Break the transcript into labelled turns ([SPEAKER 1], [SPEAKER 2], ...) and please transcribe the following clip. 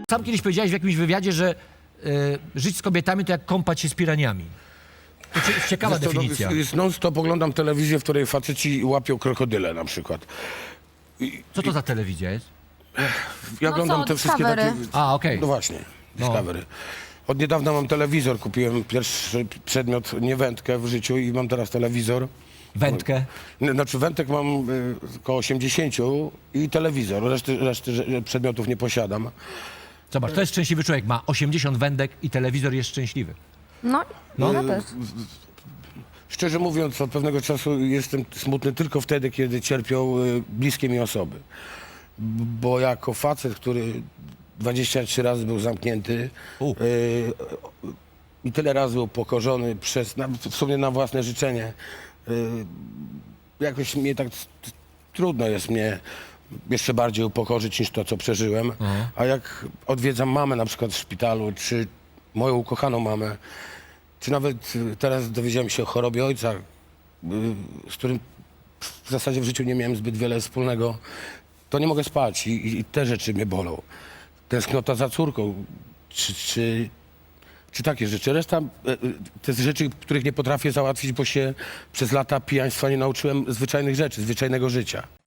[SPEAKER 1] Sam kiedyś powiedziałeś w jakimś wywiadzie, że żyć z kobietami to jak kąpać się z piraniami. To ciekawa definicja.
[SPEAKER 2] Non-stop oglądam telewizję, w której faceci łapią krokodyle na przykład.
[SPEAKER 1] Co to za telewizja jest?
[SPEAKER 2] Ja
[SPEAKER 3] No
[SPEAKER 2] oglądam
[SPEAKER 3] co,
[SPEAKER 2] te wszystkie
[SPEAKER 3] Discovery.
[SPEAKER 2] takie...
[SPEAKER 1] A, okej.
[SPEAKER 2] No właśnie, Discovery. Od niedawna mam telewizor, kupiłem pierwszy przedmiot, nie wędkę w życiu i mam teraz telewizor.
[SPEAKER 1] Wędkę.
[SPEAKER 2] Znaczy wędek mam około 80 i telewizor, reszty przedmiotów nie posiadam.
[SPEAKER 1] Zobacz, to jest szczęśliwy człowiek. Ma 80 wędek i telewizor jest szczęśliwy.
[SPEAKER 3] No, ja też.
[SPEAKER 2] Szczerze mówiąc, od pewnego czasu jestem smutny tylko wtedy, kiedy cierpią bliskie mi osoby. Bo jako facet, który 23 razy był zamknięty i tyle razy upokorzony w sumie na własne życzenie, jakoś mnie tak trudno jest mnie jeszcze bardziej upokorzyć niż to, co przeżyłem. A jak odwiedzam mamę na przykład w szpitalu, czy moją ukochaną mamę, czy nawet teraz dowiedziałem się o chorobie ojca, z którym w zasadzie w życiu nie miałem zbyt wiele wspólnego, to nie mogę spać i te rzeczy mnie bolą. Tęsknota za córką, czy takie rzeczy. Reszta to jest rzeczy, których nie potrafię załatwić, bo się przez lata pijaństwa nie nauczyłem zwyczajnych rzeczy, zwyczajnego życia.